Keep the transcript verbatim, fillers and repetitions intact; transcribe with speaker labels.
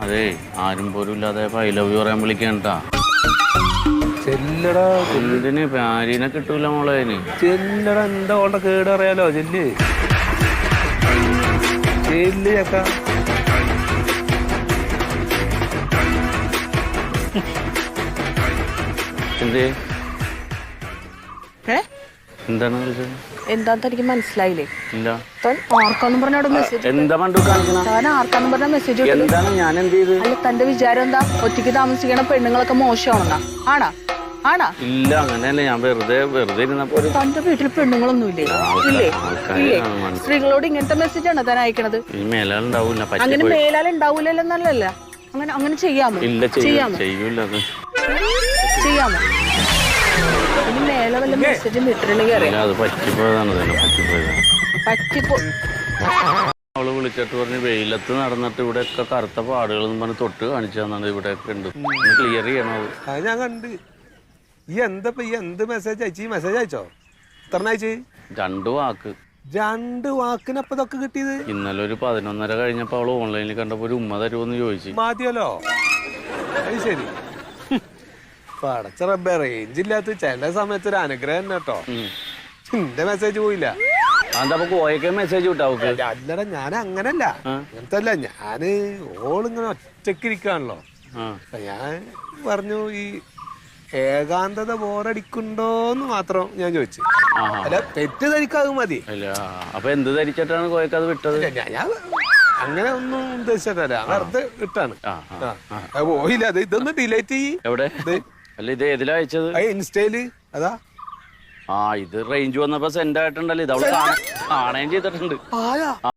Speaker 1: അതെ ആരും പോലും ഇല്ലാതെ ഐ ലവ് യു പറയാൻ വിളിക്കണ്ടാ.
Speaker 2: ചെല്ലടാ
Speaker 1: എന്തിന് ഭാര്യനെ കിട്ടൂല മോളെ.
Speaker 2: ചെല്ലടാ എന്താ ഓളുടെ കേട് അറിയാലോ. ചെല്ല് ചെല്ല് ചക്ക.
Speaker 1: എന്തേ
Speaker 3: ഏ
Speaker 1: എന്താണ് വിളിച്ചത്?
Speaker 3: എന്താന്ന് എനിക്ക് മനസ്സിലായില്ലേ?
Speaker 1: ഇല്ല.
Speaker 3: താൻ ആർക്കാന്നും പറഞ്ഞ മെസ്സേജ്
Speaker 1: എന്താ പണ്ടു കാണിക്കണ?
Speaker 3: താൻ ആർക്കാന്നും പറഞ്ഞ മെസ്സേജ്
Speaker 1: എന്താണ് ഞാൻ എന്ത് ചെയ്ത്?
Speaker 3: അല്ല തന്റെ വിചാരം എന്താ? ഒറ്റയ്ക്ക് താമസിക്കണ പെണ്ണുങ്ങളൊക്കെ മോശമാണെന്നാ? ആണാ ആണാ?
Speaker 1: ഇല്ല അങ്ങനെയല്ല. ഞാൻ വെറുതെ വെറുതെ ഇരുന്നപ്പോ ഒരു
Speaker 3: തന്റെ വീട്ടിൽ പെണ്ണുങ്ങളൊന്നും ഇല്ലേ? ഇല്ലേ ഇല്ലേ? സ്ത്രീകളോട് ഇങ്ങനത്തെ മെസ്സേജ് ആണ് താൻ അയക്കണത്?
Speaker 1: ഈ മേലാളുണ്ടാവൂല.
Speaker 3: അങ്ങനെ മേലാൽ ഉണ്ടാവൂലല്ലോ എന്നല്ലല്ല. അങ്ങനെ അങ്ങനെ ചെയ്യാമോ?
Speaker 1: ഇല്ല
Speaker 3: ചെയ്യാമോ?
Speaker 1: ചെയ്യൂല. അത്
Speaker 3: ചെയ്യാമോ? ഇനി മേലെ വല്ല മെസ്സേജും വിട്ടിട്ടുണ്ടെങ്കിൽ അറിയാം.
Speaker 1: അത് പറ്റിപ്പോയതാണ്. തന്നെ പറ്റിപ്പോയതാണ്.
Speaker 3: പറ്റിപ്പോ
Speaker 1: അവള് വിളിച്ചിട്ട് പറഞ്ഞ് വെയിലത്ത് നടന്നിട്ട് ഇവിടെ ഒക്കെ കറുത്ത പാടുകൾ പറഞ്ഞ് തൊട്ട് കാണിച്ചു തന്നത് ഇവിടെ ഒക്കെ ഉണ്ട്. ക്ലിയർ ചെയ്യണത്.
Speaker 2: അത് ഞാൻ കണ്ട്. ഈ എന്താ ഈ എന്ത് മെസ്സേജ് അയച്ചു? ഈ മെസ്സേജ് അയച്ചോ? എത്ര അയച്ചു?
Speaker 1: രണ്ടു വാക്ക്.
Speaker 2: രണ്ട് വാക്കിനപ്പൊ ഇതൊക്കെ കിട്ടിയത്?
Speaker 1: ഇന്നലെ ഒരു പതിനൊന്നര കഴിഞ്ഞപ്പോ അവള് ഓൺലൈനിൽ കണ്ടപ്പോ ഒരു ഉമ്മ തരുമോന്ന് ചോദിച്ചു.
Speaker 2: മതിയല്ലോ. അത് ശരി. പടച്ച റബ്ബേ, റേഞ്ച് ഇല്ലാത്ത ചില സമയത്ത് ഒരു അനുഗ്രഹം തന്നെ കേട്ടോ. എന്റെ മെസ്സേജ് പോയില്ല.
Speaker 1: അതാ കോയൊക്കെ മെസ്സേജ് വിട്ടാവുക്ക്?
Speaker 2: അല്ലടാ ഞാൻ അങ്ങനല്ല. അങ്ങനത്തെ അല്ല. ഞാന് ഓളിങ്ങനെ ഒറ്റക്കിരിക്കാണല്ലോ. ഞാൻ പറഞ്ഞു ഈ ഏകാന്തത ബോറടിക്കുണ്ടോന്ന് മാത്രം ഞാൻ ചോദിച്ചു. അല്ല തെറ്റിദ്ധരിക്കാതെ മതി.
Speaker 1: അല്ല അപ്പൊ എന്ത് ധരിച്ചിട്ടാണ് കോയക്ക് അത് വിട്ടത്?
Speaker 2: ഞാൻ അങ്ങനെ ഒന്നും ഉദ്ദേശിച്ചിട്ടല്ല. വെറുതെ വിട്ടാണ്. പോയില്ല. അത് ഇതൊന്ന് ഡിലീറ്റ് ചെയ്യ്.
Speaker 1: എവിടെ? അല്ല ഇത് ഏതിലാ അയച്ചത്?
Speaker 2: ഇൻസ്റ്റയില്. അതാ.
Speaker 1: ആ ഇത് റേഞ്ച് വന്നപ്പോ സെൻഡ് ആയിട്ടുണ്ടല്ലോ. ഇത് അവള് കാണുകയും ചെയ്തിട്ടുണ്ട്.